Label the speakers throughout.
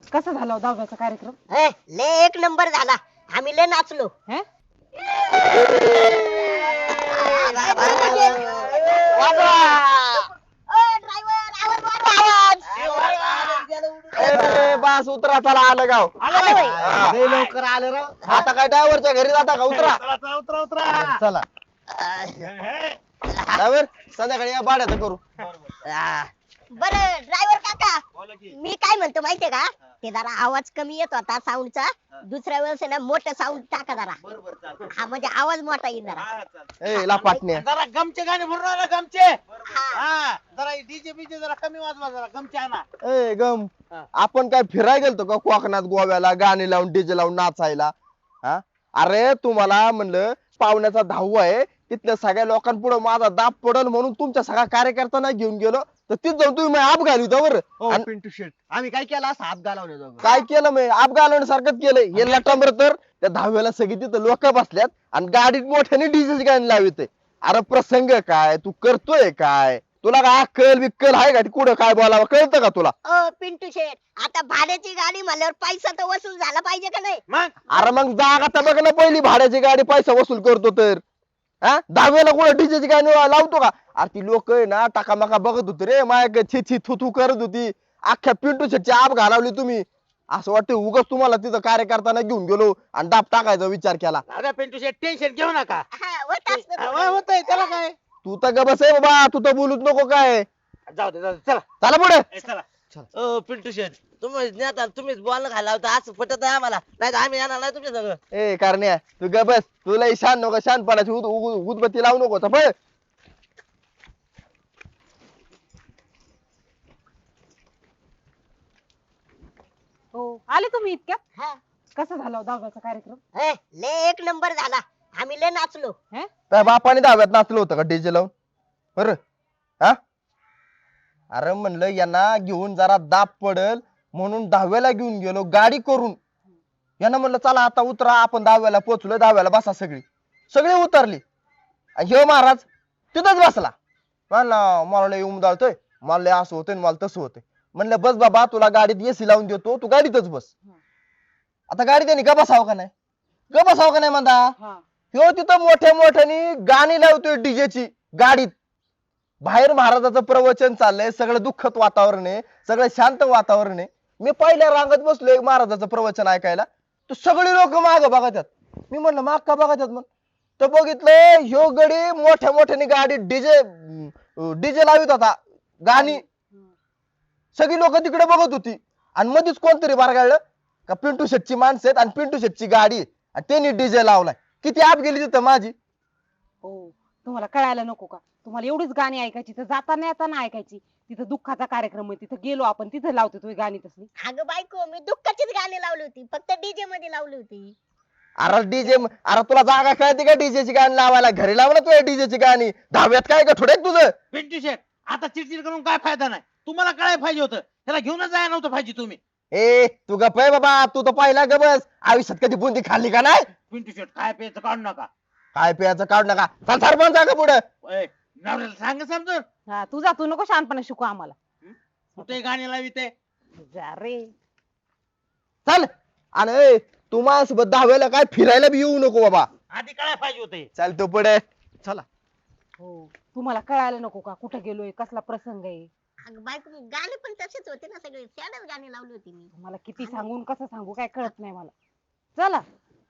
Speaker 1: कसा झाला हो दहाव्याचा कार्यक्रम?
Speaker 2: लय एक नंबर झाला. आम्ही लय नाचलो.
Speaker 1: हे?
Speaker 3: बस उतरा चला आलं गाव
Speaker 2: आलोय.
Speaker 3: लवकर आलं राव आता काय ड्रायव्हरच्या घरी जाता का उतरा
Speaker 4: उतरा उतरा
Speaker 3: चला ड्रायव्हर संध्याकाळी या भाड्याचं करू
Speaker 2: बर ड्रायव्हर काका,
Speaker 4: बोला की.
Speaker 2: मी काय म्हणतो माहितीये का, ते जरा आवाज कमी येत होता साऊंडचा. दुसऱ्या वेळेस आहे ना मोठं साऊंड टाका जरा.
Speaker 4: बरोबर चालतंय.
Speaker 2: हा म्हणजे आवाज मोठा येईल जरा.
Speaker 4: हा, चालतंय.
Speaker 3: ए लापाटण्या
Speaker 4: जरा गमचे गाणे म्हणून आला गमचे. हा जरा डीजे बीजे जरा कमी वाजवा, जरा गमचे आणा.
Speaker 3: ए गम
Speaker 4: हा.
Speaker 3: आपण काय फिरायला गेलतो का कोकणात गोव्याला गाणी लावून डीजे लावून नाचायला? हा अरे तुम्हाला म्हणलं पाहुण्याचा 10वा आहे, तिथल्या सगळ्या लोकांपुढे माझा दाब पडल म्हणून तुमच्या सगळ्या कार्यकर्त्यांना घेऊन गेलो, तर तिथं जाऊन तुम्ही मग आप घालू बरं.
Speaker 5: पिंटू शेट आम्ही काय केला असा हात घालवण्याजोगं.
Speaker 3: काय केलं मी आप घालवण्यासारखंच केलं. हे लटांबर तर त्या 10व्याला सगळी तिथं लोक बसल्यात आणि गाडीत मोठ्याने डीजेची गाणी लावित. अरे प्रसंग काय तू करतोय काय? तुला काय अक्कल बिक्कल आहे का? कुठं काय बोलावं कळतं का तुला?
Speaker 2: पिंटू शेठ, आता भाड्याची गाडी म्हणल्यावर पैसा तर वसूल झाला पाहिजे का नाही?
Speaker 4: मग
Speaker 3: अरे मग जागा तर बघ ना, पहिली भाड्याची गाडी पैसा वसूल करतो तर 10व्याला कुठं डीजेची गाणी लावतो का? अरे ती लोक आहे ना टाकामाका बघत होती रे, माया छी छी थू थू करत होती. अख्ख्या पिंटू शेटची आप घालावली तुम्ही. असं वाटतं उगाच तुम्हाला तिथं कार्यकर्त्यांना घेऊन गेलो आणि दाब टाकायचा विचार केला.
Speaker 4: अरे पिंटू शेट टेन्शन घेऊ नका.
Speaker 2: हा, होत असतं थोडं.
Speaker 4: होतंय त्याला काय.
Speaker 3: तू तर ग बस आहे बाबा, तू तर बोलूच नको काय.
Speaker 4: जाऊ दे चला.
Speaker 3: चला पुढे.
Speaker 4: चला.
Speaker 5: पिंटू शेट तुम्ही नेता तुम्हीच बोलणं घाला होता असं पटत आहे आम्हाला, नाही आम्ही येणार नाही तुमच्या सगळं.
Speaker 3: ए कारण्या तू ग बस, तुला शान नको, शानपणाची उदबत्ती लावू नको पण.
Speaker 1: हो आले तुम्ही इतक्यात?
Speaker 2: हा.
Speaker 1: कसा झाला हो दहाव्याचा कार्यक्रम?
Speaker 2: लय एक नंबर झाला. आम्ही लय नाचलो.
Speaker 1: हे?
Speaker 3: त्या बापाने 10व्यात नाचलं होतं का डीजे लावून? बरं हा अरे म्हणलं यांना घेऊन जरा दाब पडल म्हणून 10व्याला घेऊन गेलो गाडी करून. यांना म्हणलं चला आता उतरा, आपण 10व्याला पोहोचलोय, 10व्याला बसा. सगळी उतरली आणि ह्यो महाराज तिथंच बसला. मला लय उमदाळतोय, मला लय असं होतंय, मला तसं होतंय. म्हणलं बस बाबा, तुला गाडीत एसी लावून देतो, तू गाडीतच बस. आता गाडी त्यांनी ग बसावं का नाही? ग बसावं का नाही म्हणता?
Speaker 1: हा.
Speaker 3: ह्यो तिथं मोठ्या मोठ्याने गाणी लावतोय डीजेची गाडीत. बाहेर महाराजाचं प्रवचन चाललंय, सगळं दुःखद वातावरण आहे, सगळं शांत वातावरण आहे. मी पहिल्या रांगत बसलोय महाराजाचं प्रवचन ऐकायला, तर सगळी लोक माग बघतात. मी म्हणलं माग का बघतात? मग तर बघितलं ह्यो गडी मोठ्या मोठ्याने गाडी डीजे लावित होता गाणी. सगळी लोक तिकडे बघत होती आणि मध्येच कोणतरी बारगाळलं का पिंटू शेटची माणसं आहेत आणि पिंटू शेटची गाडी आहे आणि त्यांनी डीजे लावलाय. किती आप गेली तिथं माझी.
Speaker 1: हो तुम्हाला कळायला नको का? तुम्हाला एवढीच गाणी ऐकायची तर जाताना येताना ऐकायची. तिथं दुःखाचा कार्यक्रम आहे, तिथं गेलो आपण, तिथं लावतो तुम्ही गाणी तसली.
Speaker 2: अगं बायको, मी दुःखाचीच गाणी लावली होती, फक्त डीजे मध्ये लावली होती.
Speaker 3: अरे डीजे, अरे तुला जागा कळते का डीजेची गाणी लावायला? घरी लावला तुझ्या डीजेची गाणी. 10व्यात काय का थोडे तुझं?
Speaker 4: पिंटू शेट आता चिडचिड करून काय फायदा नाही. तुम्हाला कळायला पाहिजे होतं, त्याला घेऊनच जायला नव्हतं पाहिजे तुम्ही.
Speaker 3: ए तू गप आहे बाबा, तू तर पहिला ग बस. आयुष्यात कधी बुंदी खाल्ली का नाही?
Speaker 4: पिंटू शेट काय प्यायचं काढू नका.
Speaker 3: काय प्यायचं काढ नका. चल सरपंच का पुढे.
Speaker 4: ओय, नवऱ्याला सांग समजून.
Speaker 1: हा तू नको शहाणपणा शिकू आम्हाला.
Speaker 4: कुठे गाणी लावी ते.
Speaker 1: जा रे.
Speaker 3: चल. आणि ए, तू माझ्यासोबत 10व्याला काय फिरायला बी येऊ नको बाबा.
Speaker 4: आधी कळायला पाहिजे होते.
Speaker 3: चल तू पुढे. चला.
Speaker 1: हो तुम्हाला कळायला नको का कुठं गेलोय, कसला प्रसंग आहे?
Speaker 2: अगं बायको, गाणी पण तसेच होते ना, सगळे सॅडच गाणी लावली होती मी.
Speaker 1: तुम्हाला किती सांगून कसं सांगू काय कळत नाही मला. चला.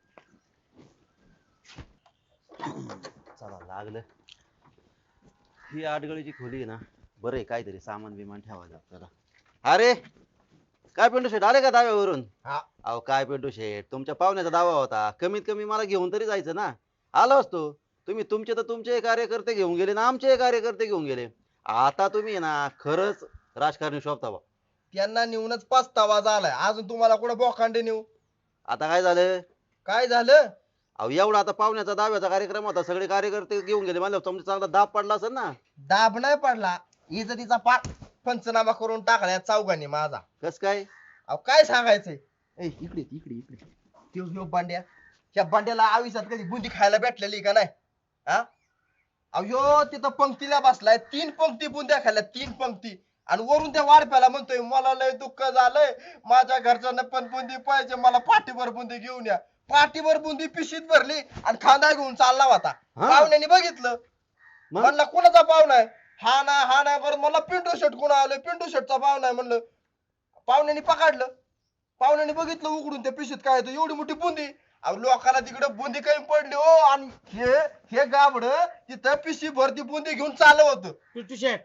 Speaker 5: चला लागलं. ही आडगळीची खोली आहे ना, बरं आहे, काहीतरी सामान बिमान ठेवायचं आपल्याला. अरे काय पिंटू शेट आले का दाव्यावरून?
Speaker 3: हा.
Speaker 5: अहो काय पिंटू शेट, तुमच्या पाहुण्याचा दावा होता, कमीत कमी मला घेऊन तरी जायचं ना. आलो असतो. तुम्ही तुमचे तर तुमचे कार्यकर्ते घेऊन गेले ना, आमचे कार्यकर्ते घेऊन गेले. आता तुम्ही ना खरंच राजकारणी शोभता बा.
Speaker 3: त्यांना नेऊनच पस्तावा झालाय, अजून तुम्हाला कुठं बोखांडे नेऊ?
Speaker 5: आता काय झालं?
Speaker 3: काय झालं?
Speaker 5: अहो एवढा आता पाहुण्याचा दाव्याचा कार्यक्रम होता, सगळे कार्यकर्ते घेऊन गेले, म्हणजे तुमचा चांगला दाब पडला असेल ना.
Speaker 3: दाब नाही पडला, इज्जतीचा पंचनामा करून टाकला या चौघांनी माझा.
Speaker 5: कस काय?
Speaker 3: अहो काय सांगायचंय. ए इकडे इकडे इकडे ह्यो बांड्या, ह्या बांड्याला आयुष्यात कधी बुंदी खायला भेटलेली का नाही? हा अहो ह्यो तिथं पंक्तीला बसलाय, 3 पंक्ती बुंद्या खाल्ल्या, 3 पंक्ती. आणि वरून त्या वाढप्याला म्हणतोय मला लय दुःख झालंय, माझ्या घरच्यांना पण बुंदी पाहिजे, मला पाठीभर बुंदी घेऊन या. पाठीभर बुंदी पिशीत भरली आणि खांदा घेऊन चालला होता.
Speaker 5: हा?
Speaker 3: पाहुण्याने बघितलं,
Speaker 5: मग?
Speaker 3: म्हणलं कोणाचा पाहुणा आहे? हा नाही बरं, मला पिंटू शेट कोण आलोय, पिंटू शेटचा पाहुणा आहे म्हणलं. पाहुण्याने पकडलं, पाहुण्याने बघितलं उघडून त्या पिशीत काय होतं, एवढी मोठी बुंदी. अहो लोकांना तिकडे बुंदी कमी पडली हो, आणि हे गाबड तिथं पिशी भरती बुंदी घेऊन चाललं होतं.
Speaker 4: पिंटू शेट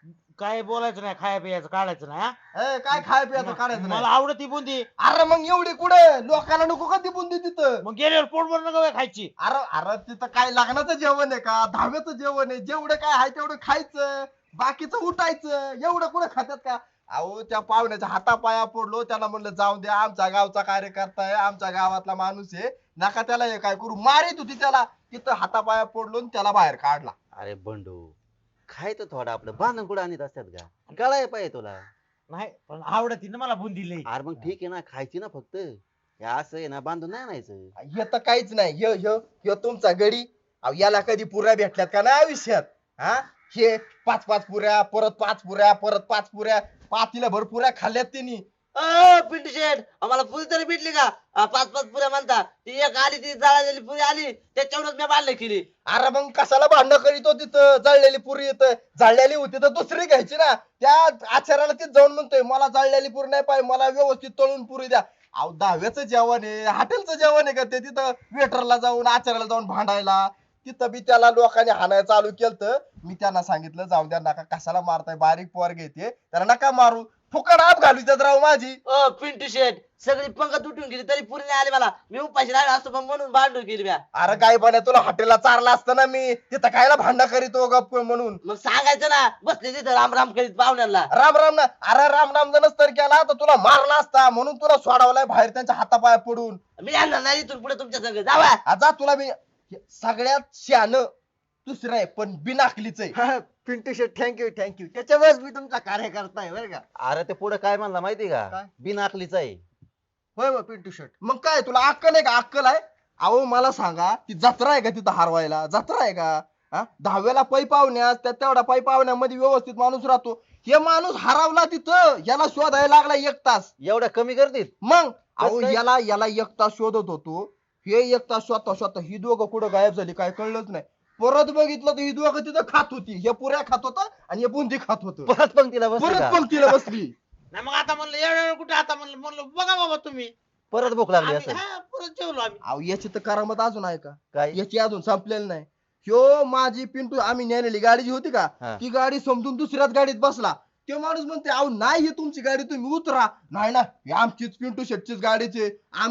Speaker 4: काय बोलायचं नाही, खाया पियाचं काढायचं नाही हा?
Speaker 3: काय खाय प्यायचं काढायचं
Speaker 4: मला
Speaker 3: नाही.
Speaker 4: आवडती बुंदी.
Speaker 3: अरे मग एवढी कुठे लोकांना नको का ती बुंदी तिथं?
Speaker 4: मग गेल्यावर पोटभर नका खायची.
Speaker 3: अरे तिथं काय लग्नाचं जेवण आहे का, दहाव्याचं जेवण आहे, जेवढं काय आहे तेवढं खायचं, बाकीचं उठायचं, एवढं कुठं खात्यात का? अहो त्या पाहुण्याच्या हातापाया पडलो, त्याला म्हणलं जाऊ द्या, आमच्या गावचा कार्यकर्ता आहे, आमच्या गावातला माणूस आहे, नका त्याला हे काय करू. मारित होती त्याला, तिथं हातापाया पडलो आणि त्याला बाहेर काढला.
Speaker 5: अरे बंडू, खायचं थोडं आपलं, बांधून कुठं आणत असतात का? गळाय पाहिजे तुला.
Speaker 4: नाही पण आवडती ना मला बुंदी लई.
Speaker 5: अरे मग ठीक आहे ना, खायची ना फक्त. हे असं आहे ना, बांधून नाही आणायचं.
Speaker 3: हे तर काहीच नाही. ह्यो तुमचा गडी. अहो याला कधी पुऱ्या भेटल्यात का नाही आयुष्यात? हा, हे 5-5 पुऱ्या, परत 5 पुऱ्या, परत 5 पुऱ्या, पातीला भर पुऱ्या खाल्ल्यात त्यांनी.
Speaker 6: पिंटू शेठ आम्हाला पुरी तरी भेटली का? 5-5 पुऱ्या म्हणता, ती एक आली, ती जळालेली पुरी आली, त्याच्यावरच मी बांधलं केली.
Speaker 3: अरे मग कशाला भांडण करीतो तिथं? जळलेली पुरी येतं, जळलेली होती तर दुसरी घ्यायची ना. त्या आचार्याला तिथं जाऊन म्हणतोय मला जळलेली पुरी नाही पाहिजे, मला व्यवस्थित तळून पुरी द्या. अहो दहाव्याचं जेवण आहे, हॉटेलचं जेवण आहे का ते? तिथं वेटरला जाऊन आचार्याला जाऊन भांडायला, तिथं बी त्याला लोकांनी हाणायला चालू केलं. मी त्यांना सांगितलं जाऊ द्या, नका कशाला मारताय, बारीक पोर घेते त्याला नका मारू, फुकट आप घालू त्यात राव माझी.
Speaker 6: पिंटू शेठ सगळी पंगत उठून गेली तरी पुरी नाही आली मला. मी उपाशी राहिलो असतो पण म्हणून भांडून केली म्या.
Speaker 3: अरे काय बने, तुला हॉटेलला चारला असतं ना मी, तिथं खायला भांडण करीतो गप म्हणून.
Speaker 6: मग सांगायचं ना, बसले तिथं राम राम करीत पाहुण्याला.
Speaker 3: राम राम ना. अरे राम राम जर नसतं केला तर तुला मारला असता, म्हणून तुला सोडवलाय बाहेर त्यांच्या हातापाया पडून.
Speaker 6: मी आणणार नाही इथून पुढे तुमच्या संग. जावा.
Speaker 3: आता तुला मी सगळ्यात शहाणं दुसरं आहे पण बिनाकलीच आहे.
Speaker 7: पिंटू शेट थँक्यू त्याच्यामुळेच मी तुमचा कार्यकर्ता आहे बरं का.
Speaker 5: अरे ते पुढे काय म्हणला माहिती का?
Speaker 7: काय?
Speaker 5: बिनाकलीच आहे.
Speaker 7: होय मग पिंटू शेट.
Speaker 3: मग काय तुला अक्कल आहे का? अक्कल आहे? अहो मला सांगा, ती जत्रा आहे का तिथं हरवायला? जत्रा आहे का? हा, 10व्याला पै पाहुण्यास त्या तेवढा पै पाहुण्यामध्ये व्यवस्थित माणूस राहतो. हे माणूस हरवला तिथं, याला शोधायला लागला 1 तास.
Speaker 5: एवढ्या कमी करतील?
Speaker 3: मग अहो
Speaker 5: काय?
Speaker 3: याला 1 तास शोधत होतो. हे 1 तास स्वतः ही दोघं कुठं गायब झाली काय कळलंच नाही. परत बघितलं तर ही दोघं तिथं खात होती. हे पुऱ्या खात होता आणि हे बुंदी खात होत.
Speaker 5: परत पंक्तीला बसली
Speaker 3: परत
Speaker 5: का?
Speaker 3: पंक्तीला बसली.
Speaker 4: नाही मग आता म्हणलं एवढ्या वेळ कुठे, आता म्हणलं बघा बाबा तुम्ही.
Speaker 5: परत भूक लागली
Speaker 4: आम्ही-
Speaker 5: असेल.
Speaker 4: हा, परत जेवलो आम्ही.
Speaker 3: अहो याची तर करामत अजून आहे का?
Speaker 5: काय?
Speaker 3: याची अजून संपलेली नाही. ह्यो माझी पिंटू आम्ही नेलेली गाडी जी होती का,
Speaker 5: हा.
Speaker 3: ती गाडी समजून दुसऱ्याच गाडीत बसला. तो माणूस म्हणते अहो नाही ही तुमची गाडी, तुम्ही उतरा. नाही ना, ही आमचीच पिंटू शेटचीच गाडीचे,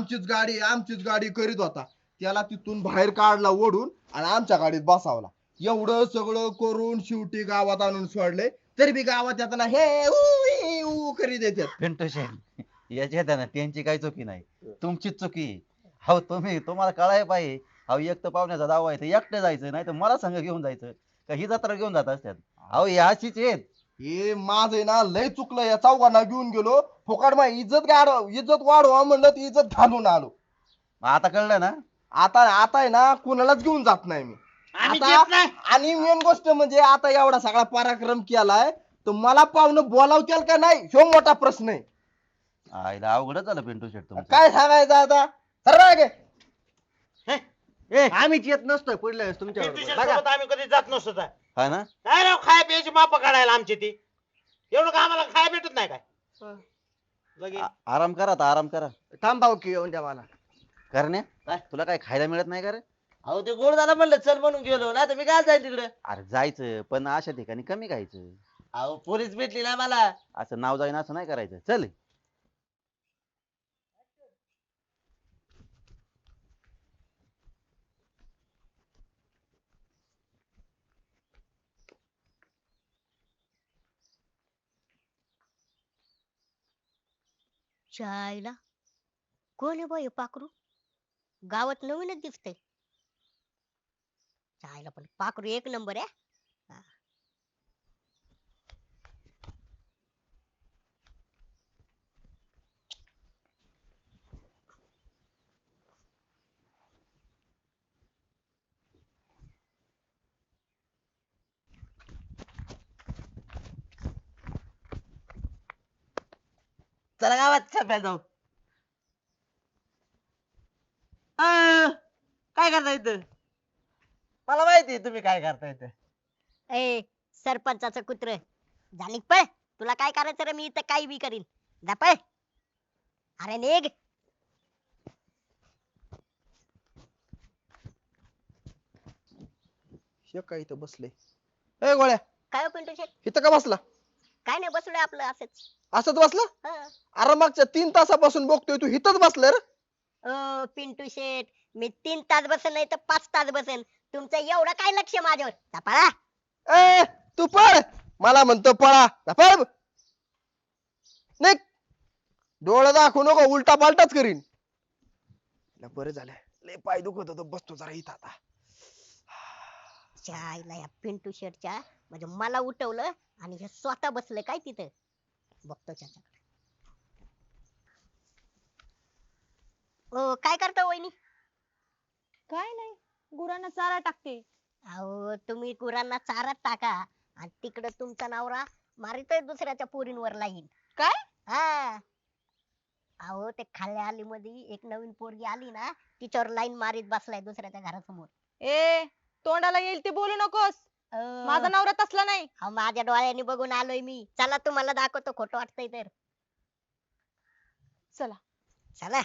Speaker 3: आमचीच गाडी करीत होता. त्याला तिथून बाहेर काढला ओढून आणि आमच्या गाडीत बसावला. एवढं सगळं करून शेवटी गावात आणून सोडले, तरी बी गावात येताना हे ऊ करीत येतात.
Speaker 5: पिंटू शेट याच्यात आहे ना त्यांची काही चुकी नाही, तुमचीच चुकी. हो तुम्हाला कळाय पाहिजे. अहो एक तर पाहुण्याचा दावा आहे, एकटं जायचं, नाही तर मला संघ घेऊन जायचं का? ही जत्रा घेऊन जात असतात. अहो याचीच आहेत.
Speaker 3: हे माझं आहे ना लय चुकलं, या चौघांना घेऊन गेलो फुकट. मग इज्जत वाढवा म्हणलं ती इज्जत घालून आलो.
Speaker 5: मग आता कळलं ना?
Speaker 3: आता आहे ना कुणालाच घेऊन जात नाही मी
Speaker 4: आम्ही
Speaker 3: आता.
Speaker 4: घेत नाही.
Speaker 3: आणि मेन गोष्ट म्हणजे आता एवढा सगळा पराक्रम केलाय तर मला पाहुणं बोलावतील का नाही, ह्यो मोठा प्रश्न आहे.
Speaker 5: आईला अवघडच झालं पिंटू शेट तुमचं.
Speaker 3: काय सांगायचं आता? सर्व
Speaker 7: आम्हीच येत नसतोय पुढल्या वेळेस तुमच्या
Speaker 4: पिंटू शेट
Speaker 7: बरोबर.
Speaker 4: सोबत आम्ही कधी जात नसतो काय.
Speaker 5: हा ना?
Speaker 4: काय राव खाया प्यायची माप काढायला आमची ती. एवढं का आम्हाला खाया भेटत नाही काय? लगेच
Speaker 5: आराम करा आता, आराम करा.
Speaker 7: थांब भाऊ की येऊन द्या मला.
Speaker 5: करण्या
Speaker 6: काय?
Speaker 5: तुला काय खायला मिळत नाही का रे?
Speaker 6: अहो ते गोड झालं म्हणलं चल म्हणून गेलो, नाही तर मी काय जाईल तिकडे.
Speaker 5: अरे जायचं पण अशा ठिकाणी कमी खायचं.
Speaker 6: अहो पोलीस भेटली ना मला.
Speaker 5: असं नाव जाईन असं नाही करायचं. चल.
Speaker 2: चायला कोण आहे बाई पाखरू? गावात नवीनच दिसतंय. चायला पण पाखरू एक नंबर आहे. हा.
Speaker 6: चला गावात चहा प्यायला जाऊ. काय करता इथं? मला माहिती आहे तुम्ही काय करता इथं.
Speaker 2: ए सरपंचाचं कुत्र जाणीक पळ. तुला काय करायचं रे? मी इथं काही बी करीन. जा पळ. अरे निघ.
Speaker 3: हे काय इथं बसले ए गोळ्या
Speaker 2: काय हो पिंटू शेट?
Speaker 3: इथं का बसला
Speaker 2: काय नाही बसलोय आपलं असंच.
Speaker 3: असंच बसला
Speaker 2: हं.
Speaker 3: अरे मागच्या 3 तासापासून बघतोय तू इथंच बसलाय रे
Speaker 2: पिंटू शेट मी 3 तास बसेन नाही तर 5 तास बसेन. तुमचं एवढं काय लक्ष माझ्यावर? जा पळा.
Speaker 3: ए तू पळ मला म्हणतो पळा जा पळ निघ डोळा दाखवू नको उलटा पालटाच करीन बरं झालं लय पाय दुखत होत बसतो जरा इथं आता
Speaker 2: चायला या पिंटू शेटच्या म्हणजे मला उठवलं आणि हे स्वतः बसलं काय तिथं. बघतो त्याच्याकडे. ओ काय करता वहिनी?
Speaker 8: काय नाही गुरांना चारा टाकते.
Speaker 2: अहो तुम्ही गुरांना चारा टाका आणि तिकडे तुमचा नवरा मारितोय दुसऱ्याच्या पोरींवर लाईन.
Speaker 8: काय?
Speaker 2: हा. अहो ते खाल्ल्या आली मध्ये एक नवीन पोरगी आली ना तिच्यावर लाईन मारीत बसलाय दुसऱ्याच्या घरासमोर.
Speaker 8: ए तोंडाला येईल ते बोलू नकोस. माझा नवरा तसला नाही.
Speaker 2: अहो माझ्या डोळ्यांनी बघून आलोय मी. चला तुम्हाला दाखवतो खोटं वाटतंय तर.
Speaker 8: चला.
Speaker 2: चला.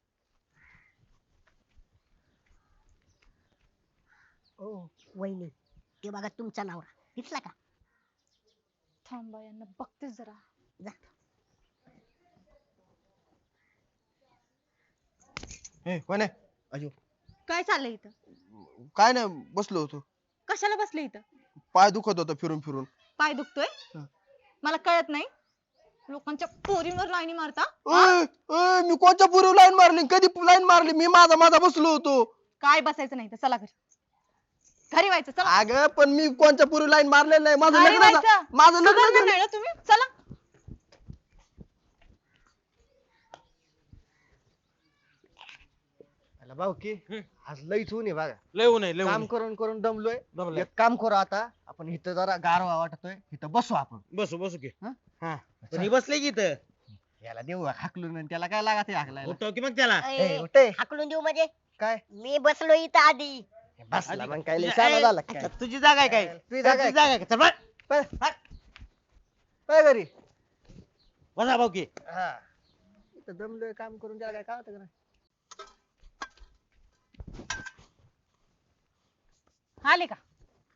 Speaker 2: ओ वहिनी ते बघा तुमचा नवरा दिसला का?
Speaker 8: थांबा यांना बघतेच जरा.
Speaker 2: जा.
Speaker 3: ए कोण आहे अजो
Speaker 8: काय चाललंय इथं?
Speaker 3: काय नाही बसलो होतो
Speaker 8: कशाला बसले इथं?
Speaker 3: पाय दुखत होता फिरून फिरून
Speaker 8: पाय दुखतोय?
Speaker 3: हं.
Speaker 8: मला कळत नाही लोकांच्या पोरींवर लाईनी मारता.
Speaker 3: मी कोणच्या पूर्वी लाईन मारली कधी लाईन मारली मी माझा बसलो होतो
Speaker 8: काय बसायचं नाही तर चला घरी. घरी व्हायचं चला.
Speaker 3: अगं पण मी कोणच्या पूर्वी लाईन मारलेलं नाही माझं
Speaker 8: घरी
Speaker 3: लग्न
Speaker 8: व्हायचं.
Speaker 3: माझं लग्न
Speaker 8: सुधारणार
Speaker 3: झालं.
Speaker 8: नाही ना तुम्ही. चला.
Speaker 7: भाऊ की आज लईच ऊन आहे बघा
Speaker 4: लय ऊन आहे लय
Speaker 7: काम
Speaker 4: ऊन
Speaker 7: करून करून दमलोय
Speaker 4: दमलोय.
Speaker 7: एक काम करू आता आपण इथं जरा गारवा वाटतोय इथं बसू आपण
Speaker 4: बसू बसू की
Speaker 7: हं?
Speaker 4: हा पण ही बसले की इथं
Speaker 7: याला देऊ हाकलून आणि त्याला काय लागत हाकलायला
Speaker 4: उठव की मग त्याला
Speaker 2: ए,
Speaker 7: उठे
Speaker 2: हाकलून देऊ म्हणजे
Speaker 7: काय
Speaker 2: मी बसलो इथं आधी.
Speaker 7: बसला मग काय लय
Speaker 4: तुझ्या-
Speaker 7: शहाणा
Speaker 4: ए,
Speaker 7: झाला
Speaker 4: अच्छा,
Speaker 7: काय
Speaker 4: तुझी जागा आहे काय
Speaker 7: तुझी जागा आहे.
Speaker 4: तुझी जागा आहे का? चल बस.
Speaker 7: काय घरी
Speaker 4: बसा भाऊ की
Speaker 7: हा इथं दमलोय काम करून त्याला काय कळत का नाही?
Speaker 1: आले का?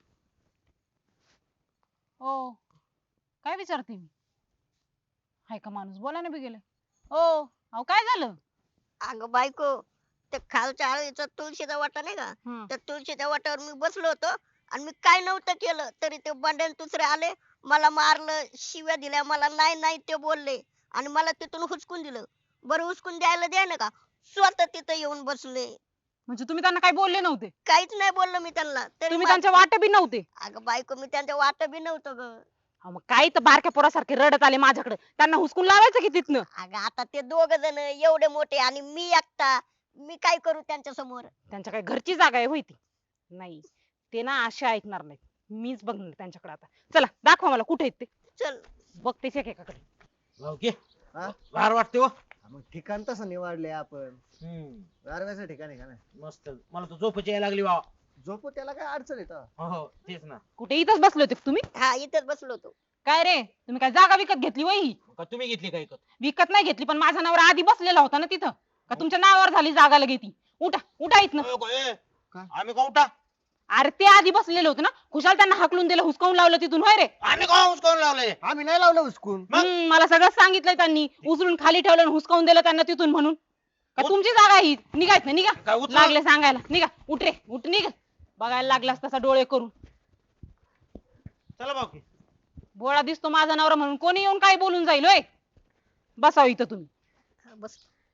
Speaker 1: ओ काय विचारते मी? हाय का माणूस बोला ना बी गेले. ओ अहो काय झालं?
Speaker 2: अगं बायको ते खालच्या आळीचा तुळशीचा वाटा नाही का?
Speaker 1: हं.
Speaker 2: त्या तुळशीच्या वाट्यावर मी बसलो होतो आणि मी काय नव्हतं केलं तरी ते बंड्यान दुसरे आले मला मारलं शिव्या दिल्या मला नाही नाही ते बोलले आणि मला तिथून हुसकून दिलं. बरं हुसकून द्यायला द्या ना का स्वतः तिथं येऊन बसले.
Speaker 1: म्हणजे तुम्ही त्यांना काही बोलले नव्हते?
Speaker 2: काहीच नाही बोललो मी त्यांना तरी
Speaker 1: तुम्ही त्यांच्या वाटे बी नव्हते?
Speaker 2: अगं बायको मी त्यांच्या वाट बी नव्हतं ग.
Speaker 1: अहो, मग काही तर बारक्या पोरासारखे रडत आले माझ्याकडे त्यांना हुसकून लावायचं की तिथनं?
Speaker 2: अगं आता ते दोघ जण एवढे मोठे आणि मी एकटा मी काय करू त्यांच्या समोर?
Speaker 1: त्यांच्या काय घरची जागा आहे होय ती? नाही ते ना असे ऐकणार नाहीत. मीच बघणार त्यांच्याकडे आता. चला दाखवा मला कुठे आहेत ते.
Speaker 2: चल.
Speaker 1: बघतेच एकेकाकडे.
Speaker 4: भाऊ की
Speaker 7: हा?
Speaker 4: गार वाटते हो
Speaker 7: मग ठिकाण तसं निवडले आपण गारव्याचं ठिकाण आहे का नाही
Speaker 4: मस्त मला तर झोपची यायला लागली भाऊ
Speaker 7: झोपू त्याला काय अडचण येतं
Speaker 4: हो तेच ना
Speaker 1: कुठे इथंच बसले होते का तुम्ही?
Speaker 2: हा इथेच बसलो होतो.
Speaker 1: काय रे तुम्ही काय जागा विकत घेतली वय ही?
Speaker 4: का तुम्ही घेतली काय
Speaker 1: विकत नाही घेतली पण माझा नवरा आधी बसलेला होता ना तिथं. का तुमच्या नावावर झाली जागा लगे ती? उठा उठा इथनं.
Speaker 7: काय?
Speaker 4: आम्ही का उठा
Speaker 1: अरे ते आधी बसलेले होते ना खुशाल त्यांना हाकलून दिलं हुसकावून लावलं तिथून होय रे?
Speaker 4: आम्ही का हुसकावून लावलंय
Speaker 7: आम्ही नाही लावलं उचकून
Speaker 4: मग?
Speaker 1: मला सगळं सांगितलंय त्यांनी. उचलून खाली ठेवलं आणि हुसकावून दिलं त्यांना तिथून म्हणून. का तुमची जागा ही? निघायच ना निघा.
Speaker 4: काय उचल?
Speaker 1: लागले सांगायला. निघा उठ रे उठ निघ. बघायला लागलास तसा डोळे करून.
Speaker 4: चला भाऊ की
Speaker 1: बोळा दिसतो माझा नवरा म्हणून कोणी येऊन काय बोलून जाईल होय? बसाव इथं तुम्ही.
Speaker 2: हा, बस.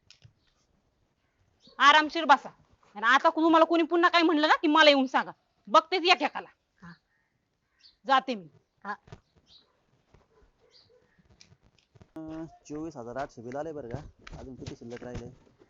Speaker 1: आरामशीर बसा. आणि आता तुम्हाला कोणी पुन्हा काय म्हणलं ना की मला येऊन सांगा. बघतेच एकेकाला.
Speaker 2: हा.
Speaker 1: जाते मी.
Speaker 5: 24,800 बिल आले बरं का. अजून किती शिल्लक राहिले?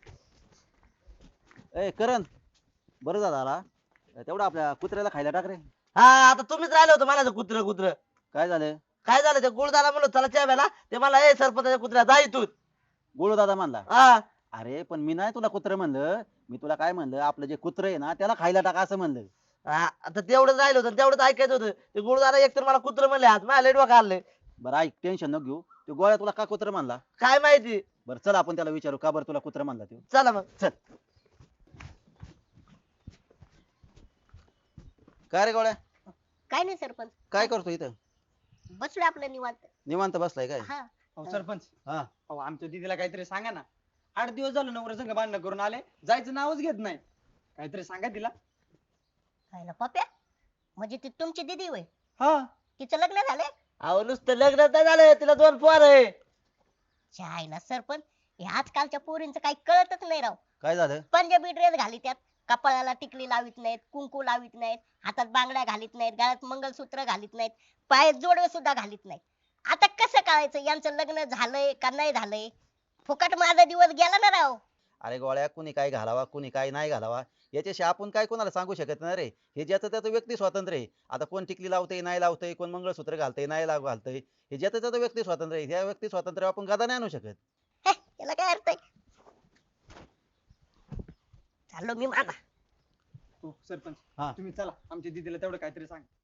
Speaker 5: ए करण बरं झालं आला. तेवढं आपल्या कुत्र्याला खायला टाक रे.
Speaker 6: हा आता तुम्हीच राहिलं होतं म्हणायचं कुत्र कुत्र
Speaker 5: काय झालं?
Speaker 6: काय झालं ते गुळदारा म्हणलं चला चहा प्यायला ते मला ए सरपंचाच्या कुत्र्या जा इथून
Speaker 5: गोळू दादा म्हणला
Speaker 6: हा
Speaker 5: अरे पण मी नाही तुला कुत्र म्हणलं, मी तुला काय म्हणलं आपलं जे कुत्र आहे ना त्याला खायला टाका असं म्हणलं.
Speaker 6: आता तेवढंच राहिलं होतं तेवढंच ऐकायचं होतं. ते गुरुदारा एकतर मला कुत्र म्हणले आज माझ्या लेट आले.
Speaker 5: बरं ऐक टेन्शन नको घेऊ, तो गोळ्या तुला का कुत्र म्हणला?
Speaker 6: काय माहिती.
Speaker 5: बरं चल आपण त्याला विचारू का बरं तुला कुत्र म्हणला तो.
Speaker 6: चला मग.
Speaker 5: चल. काय रे गोळ्या,
Speaker 2: काय नाही सरपंच,
Speaker 5: काय करतो इथं?
Speaker 2: बसलोय आपलं निवांत.
Speaker 5: निवांत बसलाय काय?
Speaker 2: हा
Speaker 4: अहो सरपंच,
Speaker 5: हा
Speaker 4: अहो आमच्या दीदीला काहीतरी सांगा ना. 8 दिवस झालं नवरा संग भांडणं करून आले, जायचं नावच घेत नाही. काहीतरी सांगा तिला.
Speaker 2: खायला पप्या म्हणजे ती तुमची दिदी होय?
Speaker 4: हा
Speaker 2: तिचं लग्न झालंय?
Speaker 6: अहो नुसतं लग्न नाही झालं तिला 2 पोर आहे.
Speaker 2: चायला सरपंच, हे आजकालच्या पोरींचं काही कळतच नाही राव.
Speaker 5: काय झालं?
Speaker 2: पंजाबी ड्रेस घालीत त्यात, कपाळाला टिकली लावित नाहीत, कुंकू लावित नाहीत, हातात बांगड्या घालीत नाहीत, गळ्यात मंगलसूत्र घालीत नाहीत, पायात जोडवे सुद्धा घालीत नाहीत. आता कसं कळायचं यांचं लग्न झालंय का नाही झालंय? फुकट माझा दिवस गेला ना राव.
Speaker 5: अरे गोळ्या कुणी काय घालावा कुणी काय नाही घालावा याच्याशी आपण काय कोणाला सांगू शकत नाही रे. हे ज्याचं त्याचं व्यक्ती स्वातंत्र्य आहे. आता कोण टिकली लावतंय नाही लावतंय, कोण मंगळसूत्र घालतंय नाही घालतंय, हे ज्याचं त्याचं व्यक्ती स्वातंत्र्य आहे. ह्या व्यक्ती स्वातंत्र्य आपण गदा नाही आणू शकत.
Speaker 2: हे, याला काय अर्थ आहे? चाललो मी माझा.
Speaker 4: हो सरपंच,
Speaker 5: हा.
Speaker 4: तुम्ही चला आमच्या दीदीला तेवढं काहीतरी सांगा.